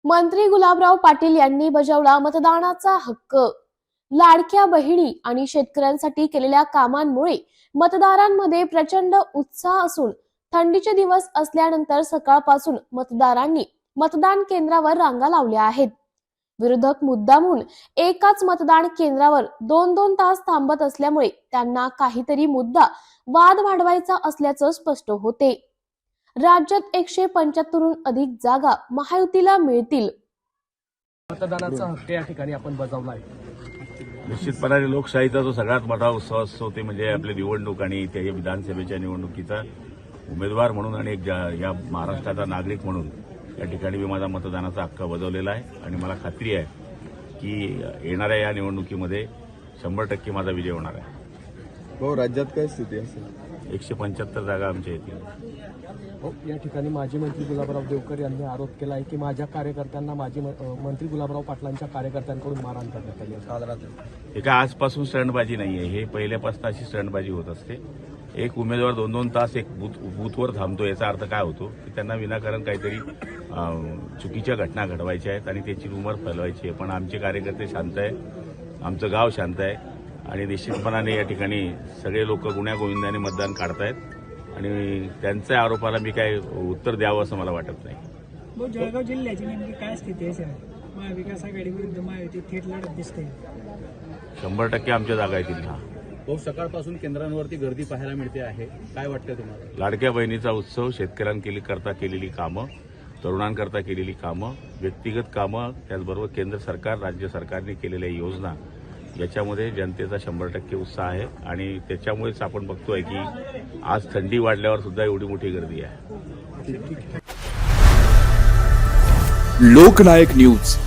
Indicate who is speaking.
Speaker 1: मंत्री गुलाबराव पाटील यांनी बजावला मतदानाचा हक्क। लाडक्या बहिणी आणि शेतकऱ्यांसाठी केलेल्या कामांमुळे मतदारांमध्ये प्रचंड उत्साह असून थंडीचे दिवस असल्यानंतर सकाळपासून मतदारांनी मतदान केंद्रावर रांगा लावल्या आहेत। विरोधक मुद्दामून एकाच मतदान केंद्रावर 2-2 तास थांबत असल्यामुळे त्यांना काहीतरी मुद्दा वाद वाढवायचा असल्याचं स्पष्ट होते। राज्यात 175हून अधिक जागा महायुतीला मिळतील।
Speaker 2: मतदानाचा हक्क या ठिकाणी आपण बजावला आहे।
Speaker 3: निश्चितपणे लोकशाहीचा जो सगळ्यात मोठा उत्सव असतो ते म्हणजे आपली निवडणूक आणि त्या विधानसभेच्या निवडणुकीचा उमेदवार म्हणून आणि या महाराष्ट्राचा नागरिक म्हणून या ठिकाणी मी माझा मतदानाचा हक्क बजावलेला आहे आणि मला खात्री आहे की येणाऱ्या या निवडणुकीमध्ये 100% माझा विजय होणार आहे।
Speaker 4: हो, राज्यात काय स्थिती असेल?
Speaker 3: 175 जागा आमच्या येतील।
Speaker 2: या ठिकाणी माजी मंत्री गुलाबराव देवकर यांनी आरोप केला आहे की माझ्या कार्यकर्त्यांना माजी मंत्री गुलाबराव पाटलांच्या कार्यकर्त्यांकडून मारहाण करण्यात आली आहे काल रात्री।
Speaker 3: हे काय आजपासून स्टंटबाजी नाहीये, हे पहिल्यापासून अशी स्टंटबाजी होत असते। एक उमेदवार 2-2 तास एक बूथवर थांबतो याचा अर्थ काय होतो की त्यांना विनाकारण काहीतरी चुकीच्या घटना घडवायच्या आहेत आणि त्याची रुमर फैलवायची आहे। पण आमचे कार्यकर्ते शांत आहे, आमचं गाव शांत आहे आणि निश्चितपणाने या ठिकाणी सगळे लोक गुण्यागोविंदाने मतदान काढतायत आणि त्यांच्या आरोपाला मी काय उत्तर द्यावं असं मला वाटत नाही।
Speaker 5: जळगाव जिल्ह्याची नेमकी काय स्थिती आहे सर? महाविकास आघाडी विरुद्ध महायुती थेट लढत दिसते।
Speaker 3: 100% आमच्या जागा येतील।
Speaker 6: हो, सकाळपासून केंद्रांवरती गर्दी पाहायला मिळते आहे, काय वाटतं तुम्हाला?
Speaker 3: लाडक्या बहिणीचा उत्सव, शेतकऱ्यांकरता केलेली कामं, तरुणांकरता केलेली कामं, व्यक्तिगत कामं, त्याचबरोबर केंद्र सरकार राज्य सरकारने केलेल्या योजना याच्यामध्ये जनतेचा 100% उत्साह आहे आणि त्याच्यामुळेच आपण बघतोय की आज थंडी वाढल्यावर सुद्धा एवढी मोठी गर्दी आहे।
Speaker 7: लोकनायक न्यूज